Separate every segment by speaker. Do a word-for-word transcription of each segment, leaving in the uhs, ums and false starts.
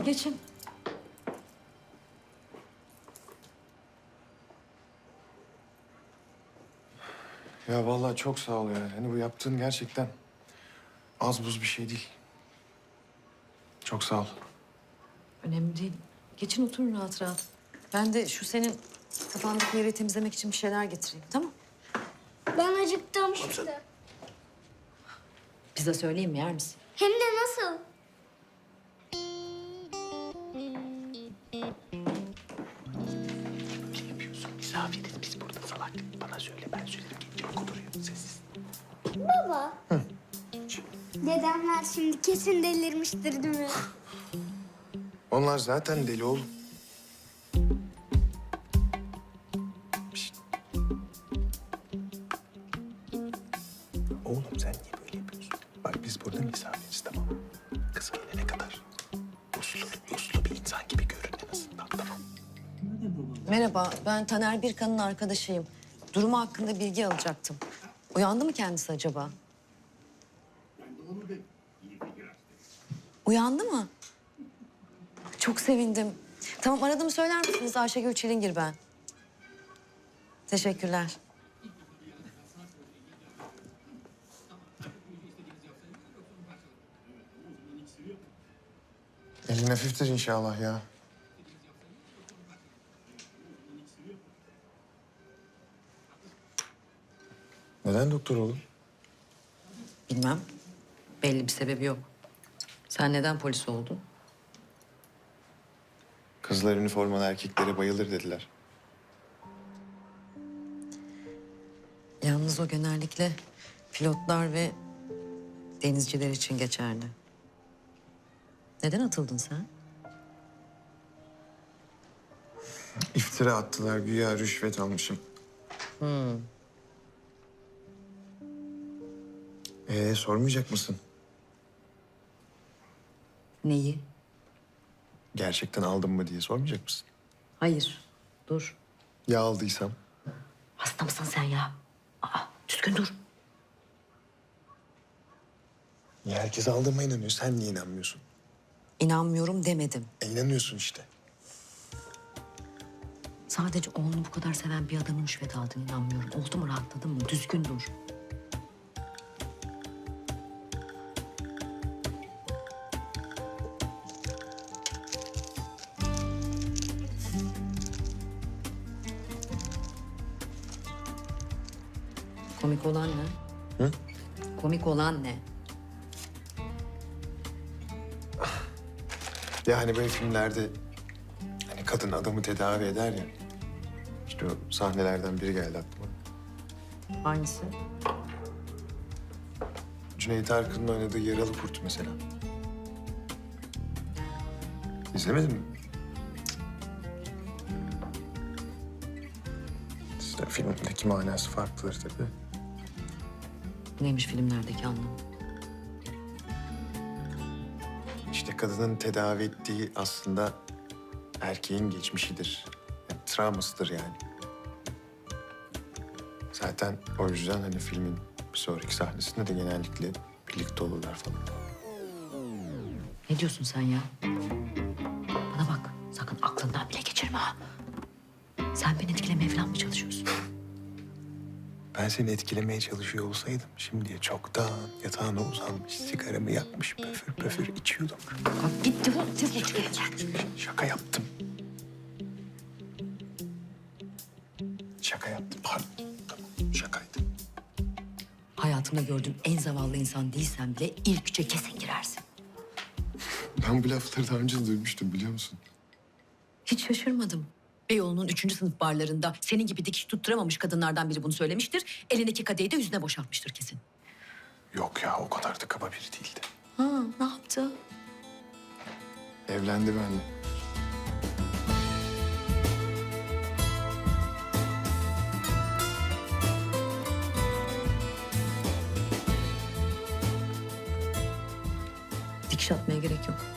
Speaker 1: Geçin.
Speaker 2: Ya vallahi çok sağ ol ya. Hani bu yaptığın gerçekten az buz bir şey değil. Çok sağ ol.
Speaker 1: Önemli değil. Geçin oturun rahat rahat. Ben de şu senin kafandaki yeri temizlemek için bir şeyler getireyim, tamam?
Speaker 3: Ben acıktım.
Speaker 1: Pizza söyleyeyim mi, yer misin?
Speaker 3: Hem de nasıl?
Speaker 4: Ne yapıyorsun? Misafiriz biz burada salak. Bana söyle, ben söylerim. Gelince okuduruyor, sessiz.
Speaker 3: Baba. Dedemler şimdi kesin delirmiştir değil mi?
Speaker 2: Onlar zaten deli oğlum.
Speaker 4: Oğlum sen niye böyle yapıyorsun? Bak biz burada misafiriz, tamam mı? Kız gelene kadar uslu, uslu bir insan gibi görün en azından, tamam.
Speaker 1: Merhaba, ben Taner Birkan'ın arkadaşıyım. Durumu hakkında bilgi alacaktım. Uyandı mı kendisi acaba? Uyandı mı? Çok sevindim. Tamam, aradığımı söyler misiniz? Ayşegül Çilingir ben. Teşekkürler.
Speaker 2: Elin hafiftir inşallah ya. Neden doktor oğlum?
Speaker 1: Bilmem. Belli bir sebebi yok. Sen neden polis oldun?
Speaker 2: Kızlar üniformalı erkeklere bayılır dediler.
Speaker 1: Yalnız o genellikle pilotlar ve denizciler için geçerli. Neden atıldın sen?
Speaker 2: İftira attılar, güya rüşvet almışım.
Speaker 1: Hmm.
Speaker 2: Ee, sormayacak mısın?
Speaker 1: Neyi?
Speaker 2: Gerçekten aldım mı diye sormayacak mısın?
Speaker 1: Hayır. Dur.
Speaker 2: Ya aldıysam?
Speaker 1: Hasta mısın sen ya? Aa, düzgün dur.
Speaker 2: Ya herkes aldığıma inanıyor. Sen niye inanmıyorsun?
Speaker 1: İnanmıyorum demedim.
Speaker 2: E, inanıyorsun işte.
Speaker 1: Sadece oğlunu bu kadar seven bir adamın rüşvet aldığını inanmıyorum. Oldu mu, rahatladın mı? Düzgün dur. Komik olan ne?
Speaker 2: Hı?
Speaker 1: Komik olan ne?
Speaker 2: Ya hani böyle filmlerde hani kadın adamı tedavi eder ya. İşte o sahnelerden biri geldi aklıma.
Speaker 1: Hangisi?
Speaker 2: Cüneyt Arkın'ın oynadığı Yaralı Kurt mesela. İzlemedin mi? İşte filmdeki manası farklıdır tabii.
Speaker 1: Neymiş filmlerdeki anlamı?
Speaker 2: İşte kadının tedavi ettiği aslında erkeğin geçmişidir. Yani, travmasıdır yani. Zaten o yüzden hani filmin bir sonraki sahnesinde de genellikle birlikte olurlar falan.
Speaker 1: Ne diyorsun sen ya? Bana bak, sakın aklından bile geçirme ha. Sen beni etkilemeye falan mı çalışıyorsun?
Speaker 4: Ben seni etkilemeye çalışıyor olsaydım şimdiye çoktan yatağına uzanmış, sigaramı yakmış, pöfür pöfür içiyordum.
Speaker 1: Kalk git defol, tez ol.
Speaker 4: Şaka yaptım. Şaka yaptım, pardon. Tamam, şakaydı.
Speaker 1: Hayatımda gördüğüm en zavallı insan değilsen bile ilk üçe kesin girersin.
Speaker 2: Ben bu lafları daha önce de duymuştum biliyor musun?
Speaker 1: Hiç şaşırmadım. Beyoğlu'nun üçüncü sınıf barlarında senin gibi dikiş tutturamamış kadınlardan biri bunu söylemiştir. Elindeki kadehi de yüzüne boşaltmıştır kesin.
Speaker 4: Yok ya, o kadar da kaba biri değildi.
Speaker 1: Ha, ne yaptı?
Speaker 2: Evlendi benimle.
Speaker 1: Dikiş atmaya gerek yok.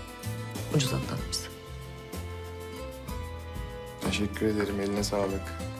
Speaker 1: Ucuz atlatmışsın.
Speaker 2: Teşekkür ederim, eline sağlık.